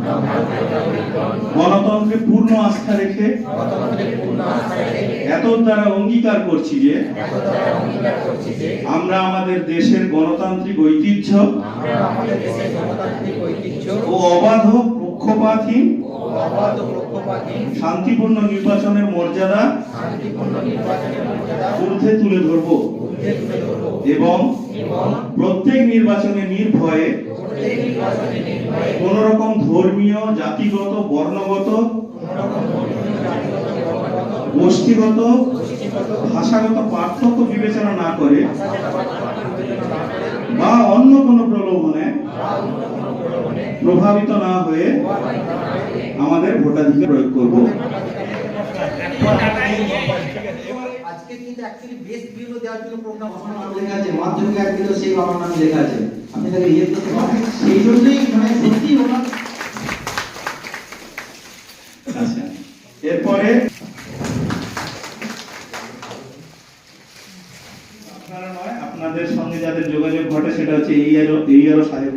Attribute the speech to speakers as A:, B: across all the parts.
A: গণতন্ত্রে পূর্ণ আস্থা রেখে এতদ দ্বারা অঙ্গীকার করছি যে আমরা আমাদের দেশের গণতান্ত্রিক ঐতিহ্য ও অবাধ পক্ষপাতহীন শান্তিপূর্ণ নির্বাচনের মর্যাদা ঊর্ধ্বে তুলে ধরব এবং প্রত্যেক নির্বাচনে নির্ভয়ে কোন রকম ধর্মীয়, জাতিগত, বর্ণগত, গোষ্ঠীগত, ভাষাগত পার্থক্য বিবেচনা না করে বা অন্য কোনো প্রলোভনে প্রভাবিত না হয়ে আমাদের ভোটাধিকার প্রয়োগ করব।
B: আজকে কিন্তু অ্যাকচুয়ালি বেস্ট ভিউলো দেওয়ার জন্য প্রোগ্রাম নাম লেখা আছে, মাধ্যমিক এক ভিডিও সেই বাবার নাম লেখা আছে। আপনি তাকে ইয়ে করতে পারেন, সেই জন্যই মানে সত্যি ওনার।
A: আচ্ছা, এরপরে আপনারা নয়, আপনাদের সঙ্গে যাদের যোগাযোগ ঘটে সেটা হচ্ছে এইআরও সাহেব।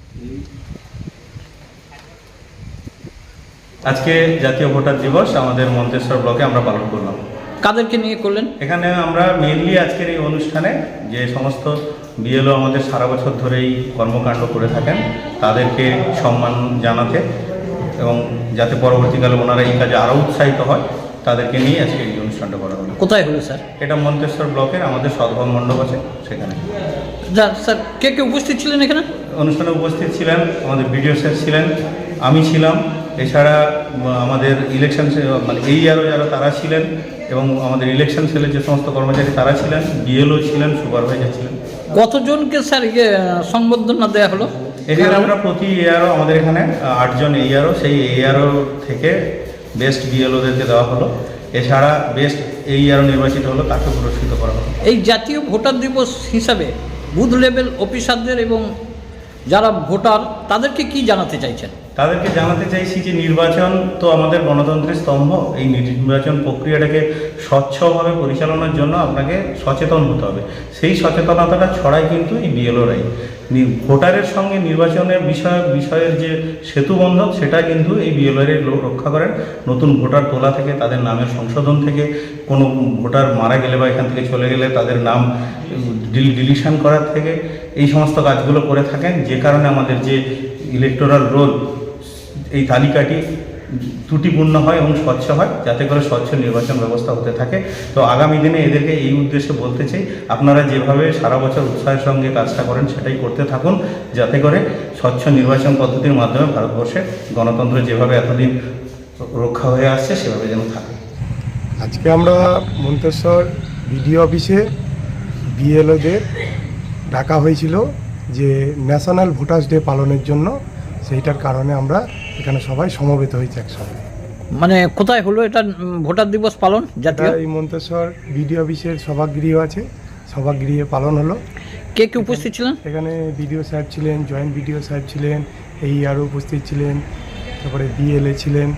C: আজকে জাতীয় ভোটার দিবস আমাদের মন্তেশ্বর ব্লকে আমরা পালন করলাম।
D: কাদেরকে নিয়ে করলেন?
C: এখানে আমরা মেইনলি আজকের এই অনুষ্ঠানে যে সমস্ত বিএলও আমাদের সারা বছর ধরেই কর্মকাণ্ড করে থাকেন তাদেরকে সম্মান জানাতে এবং যাতে পরবর্তীকালে ওনারা এই কাজে আরও উৎসাহিত হয় তাদেরকে নিয়ে আজকে এই অনুষ্ঠানটা করা হলো।
D: কোথায় হলো স্যার?
C: এটা মন্তেশ্বর ব্লকের আমাদের সদ্ভাব মণ্ডপ আছে সেখানে।
D: যা স্যার, কে কে উপস্থিত ছিলেন এখানে?
C: অনুষ্ঠানে উপস্থিত ছিলেন আমাদের বিডিও স্যার ছিলেন, আমি ছিলাম, এছাড়া আমাদের ইলেকশন মানে এইআরও যারা তারা ছিলেন এবং আমাদের ইলেকশন সেলের যে সমস্ত কর্মচারী তারা ছিলেন, বিএলও ছিলেন, সুপারভাইজার ছিলেন।
D: কতজনকে স্যার সংবর্ধনা দেওয়া হলো?
C: এখানে আমরা প্রতি এইআরও আমাদের এখানে 8 জন এইআরও, সেই এইআরও থেকে বেস্ট বিএলওদেরকে দেওয়া হলো। এছাড়া বেস্ট এইআরও নির্বাচিত হলো তাকে পুরস্কৃত করা হলো।
D: এই জাতীয় ভোটার দিবস হিসাবে বুথ লেভেল অফিসারদের এবং যারা ভোটার তাদেরকে কি জানাতে চাইছেন?
C: তাদেরকে জানাতে চাইছি যে নির্বাচন তো আমাদের গণতন্ত্রের স্তম্ভ। এই নির্বাচন প্রক্রিয়াটাকে স্বচ্ছভাবে পরিচালনার জন্য আপনাকে সচেতন হতে হবে। সেই সচেতনতাটা ছড়ায় কিন্তু এই বিএলওরাই। ভোটারের সঙ্গে নির্বাচনের বিষয়ের যে সেতুবন্ধক সেটা কিন্তু এই বিএলওরাই রক্ষা করেন। নতুন ভোটার তোলা থেকে, তাদের নামের সংশোধন থেকে, কোনো ভোটার মারা গেলে বা এখান থেকে চলে গেলে তাদের নাম ডিলিশন করার থেকে এই সমস্ত কাজগুলো করে থাকেন, যে কারণে আমাদের যে ইলেকটোরাল রোল এই তালিকাটি ত্রুটিপূর্ণ হয় এবং স্বচ্ছ হয়, যাতে করে স্বচ্ছ নির্বাচন ব্যবস্থা হতে থাকে। তো আগামী দিনে এদেরকে এই উদ্দেশ্যে বলতে চাই, আপনারা যেভাবে সারা বছর উৎসাহের সঙ্গে কাজটা করেন সেটাই করতে থাকুন, যাতে করে স্বচ্ছ নির্বাচন পদ্ধতির মাধ্যমে ভারতবর্ষে গণতন্ত্র যেভাবে এতদিন রক্ষা হয়ে আসছে সেভাবে যেন থাকে।
E: আজকে আমরা মন্তেশ্বর বিডিও অফিসে বিএলওদের ডাকা হয়েছিল যে ন্যাশনাল ভোটার্স ডে পালনের জন্য। সেইটার কারণে আমরা এখানে সবাই সমবেত হয়েছি একসঙ্গে।
D: মানে কোথায় হলো এটা ভোটার দিবস পালন? জাতীয়
E: এই মন্তেশ্বর বিডিও অফিসের সভাগৃহ আছে, সভাগৃহে পালন হলো।
D: কে কে উপস্থিত ছিলেন?
E: এখানে বিডিও সাহেব ছিলেন, জয়েন্ট বিডিও সাহেব ছিলেন, এইআরও উপস্থিত ছিলেন, তারপরে বিএলএ ছিলেন।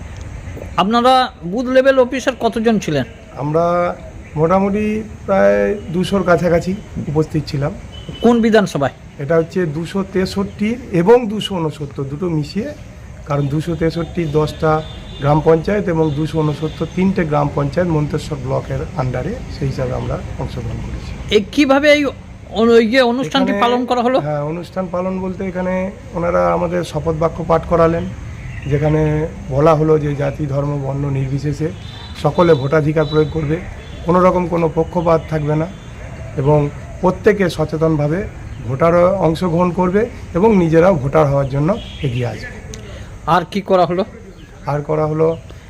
D: আপনারা বুথ লেভেল অফিসার কতজন ছিলেন?
E: আমরা মোটামুটি প্রায় 200-র কাছাকাছি উপস্থিত ছিলাম।
D: কোন বিধানসভায়?
E: এটা হচ্ছে 263 এবং 269 দুটো মিশিয়ে, কারণ 263 10টা গ্রাম পঞ্চায়েত এবং 269 3টে গ্রাম পঞ্চায়েত মন্তেশ্বর ব্লকের আন্ডারে, সেই হিসাবে আমরা অংশগ্রহণ করেছি।
D: এই কীভাবে এই অনুষ্ঠানটি পালন করা হলো?
E: হ্যাঁ, অনুষ্ঠান পালন বলতে এখানে ওনারা আমাদের শপথ বাক্য পাঠ করালেন, যেখানে বলা হলো যে জাতি, ধর্ম, বর্ণ নির্বিশেষে সকলে ভোটাধিকার প্রয়োগ করবে, কোনো রকম কোনো পক্ষপাত থাকবে না এবং প্রত্যেকে সচেতনভাবে ভোটার অংশগ্রহণ করবে এবং নিজেরাও ভোটার হওয়ার জন্য এগিয়ে আসবে।
D: আর কি করা হলো?
E: আর করা হলো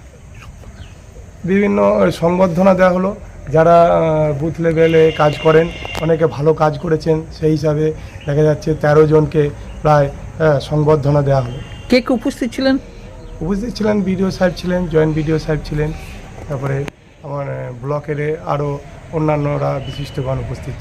E: বিভিন্ন সংবর্ধনা দেওয়া হলো। যারা বুথ লেভেলে কাজ করেন, অনেকে ভালো কাজ করেছেন, সেই হিসাবে দেখা যাচ্ছে 13 জনকে প্রায় সংবর্ধনা দেওয়া হলো।
D: কে কে উপস্থিত ছিলেন?
E: উপস্থিত ছিলেন বিডিও সাহেব ছিলেন, জয়েন্ট বিডিও সাহেব ছিলেন, তারপরে আমার ব্লকের আরও অন্যান্যরা বিশিষ্টগণ উপস্থিত।